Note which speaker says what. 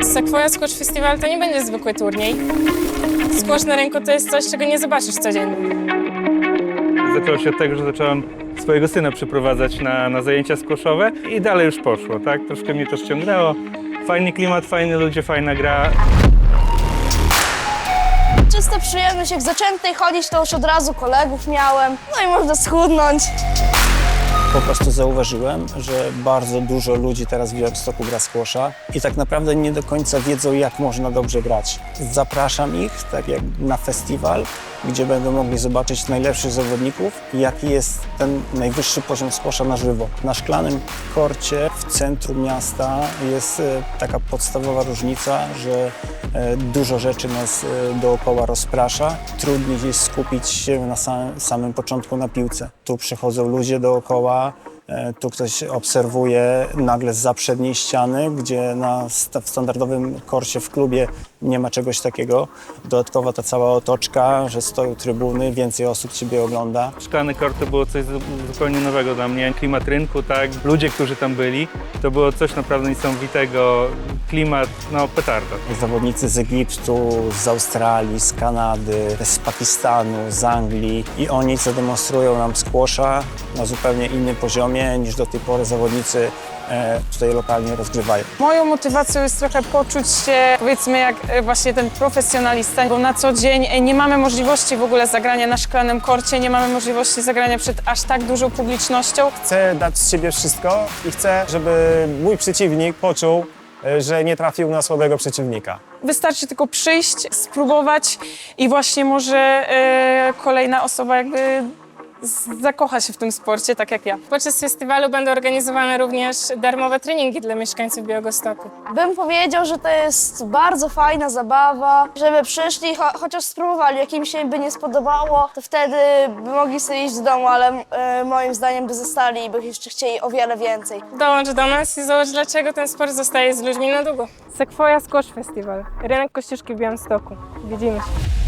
Speaker 1: Sequoia Squash Festival to nie będzie zwykły turniej. Squash na rynku to jest coś, czego nie zobaczysz codziennie.
Speaker 2: Zaczęło się od tego, że zacząłem swojego syna przyprowadzać na zajęcia squashowe i dalej już poszło, tak? Troszkę mnie to ściągnęło. Fajny klimat, fajni ludzie, fajna gra.
Speaker 3: Czysta przyjemność, jak zacząłem tutaj chodzić, to już od razu kolegów miałem, no i można schudnąć.
Speaker 4: Po prostu zauważyłem, że bardzo dużo ludzi teraz w Białymstoku gra squasha i tak naprawdę nie do końca wiedzą, jak można dobrze grać. Zapraszam ich, tak jak na festiwal, gdzie będą mogli zobaczyć najlepszych zawodników i jaki jest ten najwyższy poziom squasha na żywo. Na szklanym korcie w centrum miasta jest taka podstawowa różnica, że dużo rzeczy nas dookoła rozprasza. Trudniej jest skupić się na samym początku na piłce. Tu przychodzą ludzie dookoła, tu ktoś obserwuje nagle zza przedniej ściany, gdzie w standardowym korcie w klubie nie ma czegoś takiego. Dodatkowo ta cała otoczka, że stoją trybuny, więcej osób Ciebie ogląda.
Speaker 2: Szklany kort to było coś zupełnie nowego dla mnie. Klimat rynku, tak? Ludzie, którzy tam byli, to było coś naprawdę niesamowitego. Klimat, no petarda.
Speaker 4: Zawodnicy z Egiptu, z Australii, z Kanady, z Pakistanu, z Anglii i oni zademonstrują nam squasha na zupełnie innym poziomie niż do tej pory zawodnicy tutaj lokalnie rozgrywają.
Speaker 1: Moją motywacją jest trochę poczuć się, powiedzmy, jak właśnie ten profesjonalista, bo na co dzień nie mamy możliwości w ogóle zagrania na szklanym korcie, nie mamy możliwości zagrania przed aż tak dużą publicznością.
Speaker 5: Chcę dać z siebie wszystko i chcę, żeby mój przeciwnik poczuł, że nie trafił na słabego przeciwnika.
Speaker 1: Wystarczy tylko przyjść, spróbować i właśnie może kolejna osoba jakby zakocha się w tym sporcie, tak jak ja. Podczas festiwalu będą organizowane również darmowe treningi dla mieszkańców Białegostoku.
Speaker 3: Bym powiedział, że to jest bardzo fajna zabawa, żeby przyszli, chociaż spróbowali, jak im się by nie spodobało, to wtedy by mogli sobie iść do domu, ale moim zdaniem by zostali i by jeszcze chcieli o wiele więcej.
Speaker 1: Dołącz do nas i zobacz, dlaczego ten sport zostaje z ludźmi na długo. Sequoia Squash Festival, rynek Kościuszki w Białymstoku. Widzimy się.